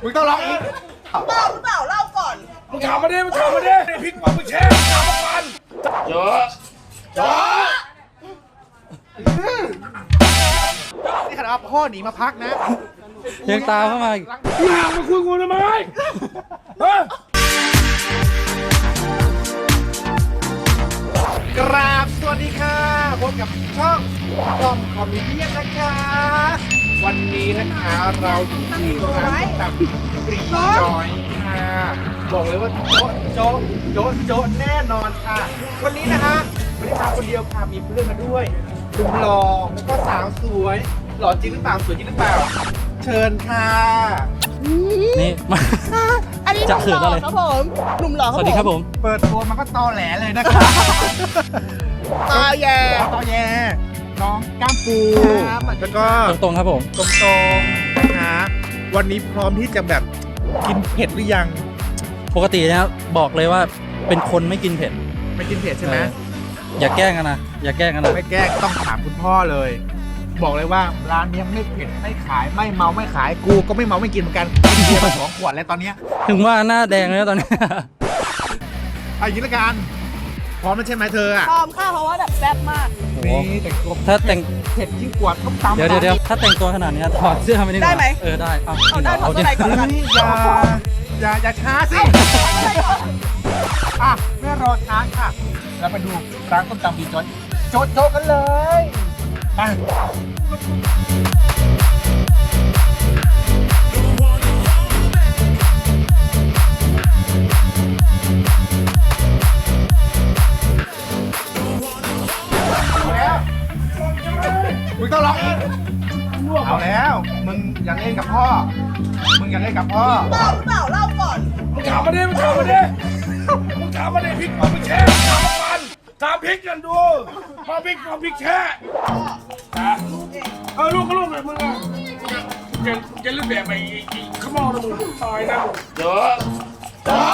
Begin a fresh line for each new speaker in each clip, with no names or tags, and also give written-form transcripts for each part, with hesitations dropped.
มึงต้องร้องอีก
เปล่าหรือเปล่าเล่าก่อน
มึงถามมาดิมึงถามมาดิพริกมึงแช่ถามมาก่อนเจอะเจอะ
นี่ขนาดว่าพ่อหนีมาพักนะ
ยังตามเข้ามาอีก
มึงห่างมาคุยกูทำไมฮะ
กราบสวัสดีค่ะพบกับช่องกล่อมคอมมิเดียนนะคะ วันนี้นะคะเราอยู่ที่ร้านตับปรีจอยค่ะบอกเลยว่าโจ๊ะแน่นอนค่ะ วันนี้นะคะไม่ได้มาคนเดียวค่ะมีเพื่อนมาด้วยหนุ่มหล่อแล้วก็สาวสวยหล่อจริงหรือเปล่าสวยจริงหรือเปล่า เชิญค่ะ
นี่มา
อันนี้ห
จะ
นุ่ม
เขิ
ห
น
ล่อ
อะไร
ครับผมหนุ่มหล่อ
สวัสดีครับผม
เปิดตัวมันก็ตอแหลเลยนะคะ
ตาแย่
ตอแยน้องก้ามปูแล้วก็
ตรงๆครับผม
ตรงๆนะคะวันนี้พร้อมที่จะแบบกินเผ็ดหรือยัง
ปกตินะครับบอกเลยว่าเป็นคนไม่กินเผ็ด
ไม่กินเผ็ดใช่ไหม
อย่าแกล้งกันนะอย่าแกล้งกันนะ
ไม่แกล้งต้องถามคุณพ่อเลย บอกเลยว่าร้านนี้ไม่เผ็ดไม่ขายไม่เมาไม่ขายกูก็ไม่เมาไม่กินเหมือนกันกินเบียร์มา2 ขวดแล้วตอนเนี้ย
ถึงว่าหน้าแดงเลยนะตอนนี้
เอาอย่างนี้ละกันพร้อมแล้วใช่ไหมเธออ่ะ
ชอบค่ะเพราะว่าแบบแซ่บมาก
โอ้โห
นี่แต่งตัว
ถ้าแต่ง
เผ็ดยิ่งกว่าต้มตำ
เดี๋ยวถ้าแต่งตัวขนาดนี้ถอดเสื้อไม่ได้
ได้ไหม
เออได้เอา
เอาได้ถอด
ดิ
เสื้อในก่อนแล้วกัน
นี่อย่าช้าสิอ่ะไม่รอช้าค่ะเราไปดูร้านต้มตำบีจอยโจ๊ะกันเลยไปมึงต้องร้องอีกเอาแล้ว มึงอยากเล่นกับพ่อ มึงอยากเล่นกับพ่อ
เปล่าหรือเปล่าเล่าก่อน
มึงถามมาดิมึงถามมาดิมึงถามมาดิพริกมึงแช่ถามมาก่อนถามพริกกันดูมาพริกแช่ลูกก็ลูกเลยมึงอ่ะจะเล่นแบบไอ้ขมอนะมึงตายนะเจอะเจอะ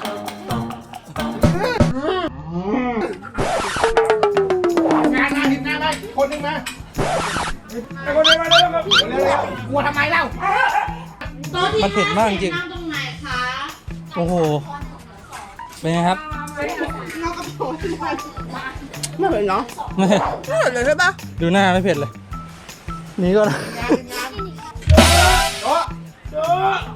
งานเห็นหน้าไหมคนหนึ่งมา
ไอ้คนนี้มาแล้วครับ
เร็วๆกลัวทำไมเล่า
มันเผ็ดมากจริง
นั่งตรงไหนคะ
โอ้โหเป็นไงครับ
ไม่เห็นเนาะ
ไม่
ไม่เห็นเลยใช่ปะ
ดูหน้าไม่เผ็ดเลยหนี่ก็
โอ๊ะ
เจอะ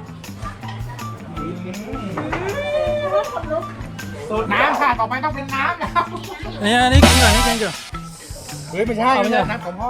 สูตรน้ำค่ะ ต่อไปต้องเป็นน้ำแล้ว
อันนี้กินก่อนนี่กินก่อน
เฮ้ยไม่ใช่
เอาไม่
ไม่
ใช่
ใช่น้ำของพ่อ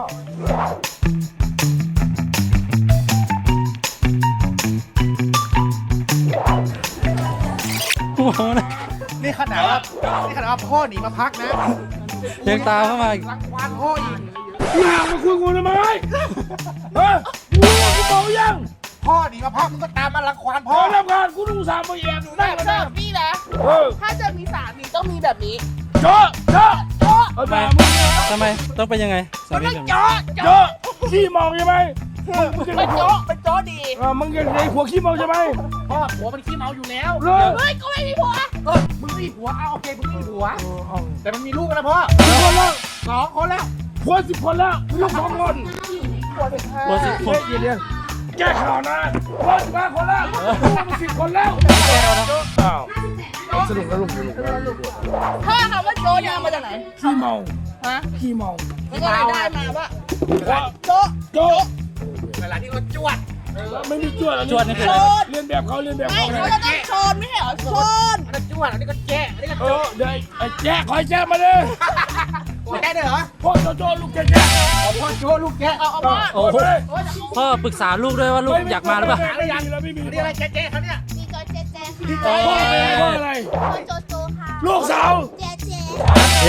โอ้โหนะ
นี่ขนาดว่าพ่อหนีมาพักนะ
ยังตามเข้ามาอีก
รังควานพ่ออีก
มึงห่างมาคุยกูทำไมฮะกูเมายัง
พ่อหนีมาพักมึงก็ตามมารังควาน
พ
พ่
อ
อ
ทำงานกูต้องสามมาแอบอยู่
แบ
ได้
บ
กัน
แบ
นะ
บนี้นะ ถ้าจะมีสามีต้องมีแบบนี้
เจอะเจอะ
โจ๊ะ
เอาแบบมึง
ทำไมต้องเป็นยังไงสา
มัน
มี
ต้อง
ผม
โจ๊ะ
เจอะขี้เมาใช่ไหมมึง
เป็นโจ๊ะเป็นโจ๊ะดี
มึงเป็นไอ้พวกขี้เมาใช่ไหม
พ่อผัวมันขี้เมาอยู่แล้ว
เลิก
เฮ้ยก็ไม่มีผัว
มึงไม่มีผัวเอาโอเคมึงไม่มีผัว แต่มันมีลูกแล้วนะพ่อ
กี่คนแล้ว
2 คนแล้ว
ผัว10 คนแล้วลูก2 คน
ผัวเป็นห้า
โอ้สิผม
เดี๋ยวแก้ข่าวนะผัว15 คนแล้วลูกมัน10 คนแล้วอ้าวสรุปแล้วลูก
ถ้าคำว่าโจ๊ะเนี่ยเอามาจากไหน
ขี้เมา
ฮะ
ขี้เมา
มันก็เลยได้มาว่าโจ๊ะ
โจ๊ะ
เวลาที่เขาจวด
ไม่มีจวด
จวดนี่คือ
โช
อะไร
น
เรียนแบบเขาเรียนแบบ
ไม่
เขา
เขาจะต้องโชนไม่ใช่เหรอโชน
อันนั้นจวดอันนี้ก็แจ๊ะอันนี้ก็
เดี๋ยวไอ้แจ๊คอยแจ๊มาเลย
แจ๊ะด้วยเหรอ
พ่อโจ๊ลูกแจ๊
พ่อโจ้ลูกแจ๊ะ
เอามา
โอ้โหพ่อปรึกษาลูกด้วยว่าลูกอยากมาหรือเปล่า
ไม่มีแล้วไม่มี
นี่อะไรแจ๊ะเขาเนี่ย
ดีโจเจเจ
พ่อ
ค่ะ
อะไร
โจโจค่ะ
ลูกสาว
เจเจ
เย้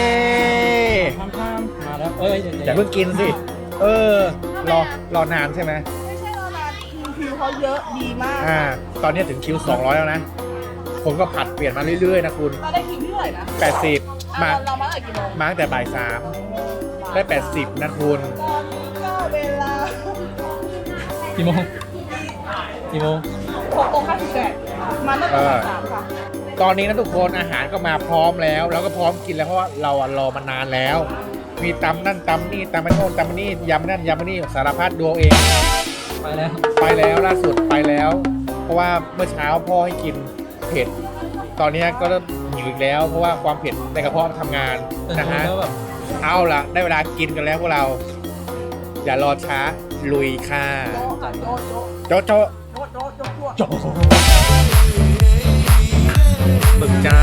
มาแล้วเอ้ย
อย่าเพิ่งกินสิ รอนานใช่ไหม
ไม่ใช่เรานานคิวเขาเยอะดีมาก
ตอนนี้ถึงคิว 200 แล้วนะ ผมก็ผัดเปลี่ยนมาเรื่อยๆนะคุณ
เราได้คิวที่เท่าไหร่นะ
80 มา
เรามาตั้งแต่กี่โมง
มาตั้งแต่บ่าย 3 ได้ 80นะคุณ
ตอนนี้ก็เวลา
กี่โมงกี่โมง
6:58มาตั้งแต่บ่าย3ค่ะ
ตอนนี้นะทุกคนอาหารก็มาพร้อมแล้ว แล้วก็พร้อมกินแล้วเพราะว่าเรารอมานานแล้ว มีตำนั่นตำนี่ตำมันโน่นตำมันนี่ยำนั่นยำมันนี่สารพัดดูเอาเอง
ไปแล้ว
ไปแล้วล่าสุดไปแล้วเพราะว่าเมื่อเช้าพ่อให้กินเผ็ด ตอนนี้ก็เริ่มหิวอีกแล้ว เพราะว่าความเผ็ดในกระเพาะทำงานนะฮะ
แล้วแบบ
เอาละได้เวลากินกันแล้วพวกเรา อย่ารอช้าลุยค่ะ
โจ๊กค่ะโจ๊กโจ๊ก
โจะโจะ
โจ๊กโจ๊กโจ๊ก
โจะบึกจ้า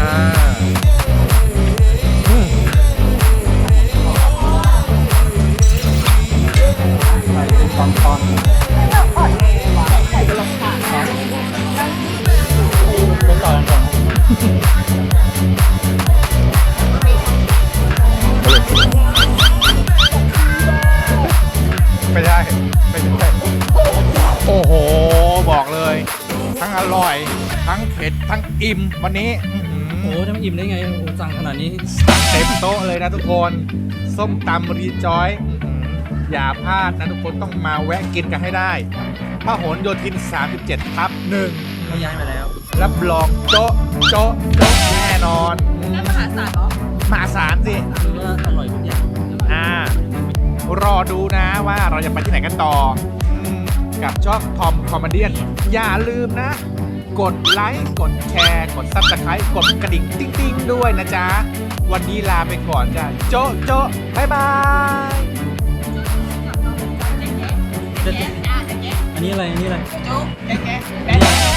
เป็นตอน
อ่อนแอว่ะใส่กระลองขาดนะ
เป็นต่อกันก่อน
ไม่ได้ไม่ได้โอ้โหบอกเลย ทั้งอร่อย ทั้งเผ็ดทั้งอิ่มวันนี้อื้อหือ
โอ้โหทำอิ่มได้ไงโอ้โหสั่งขนาดนี้
เต็มโต๊ะเลยนะทุกคน ส้มตำรีจอยอย่าพลาดนะทุกคนต้องมาแวะกินกันให้ได้พหลโยธิน 37/1
เขาย้ายมาแล้ว
รับรองโจ๊ะโจ๊ะโจ๊ะแน่นอน
นั่นมหาศาลเหรอ
มหาศาลสิ
คือว่าอร่อยทุกอย่าง
รอดูนะว่าเราจะไปที่ไหนกันต่อกับช่องทอมคอมเมดี้อย่าลืมนะ กดไลค์กดแชร์กดซับสไครต์กดกระดิ่งติ๊งๆด้วยนะจ๊ะ วันนี้ลาไปก่อนจ้ะโจ๊ะโจ๊ะบ๊ายบาย
อันนี้อะไร อันนี้อะไร
โจ๊กแกะแกะ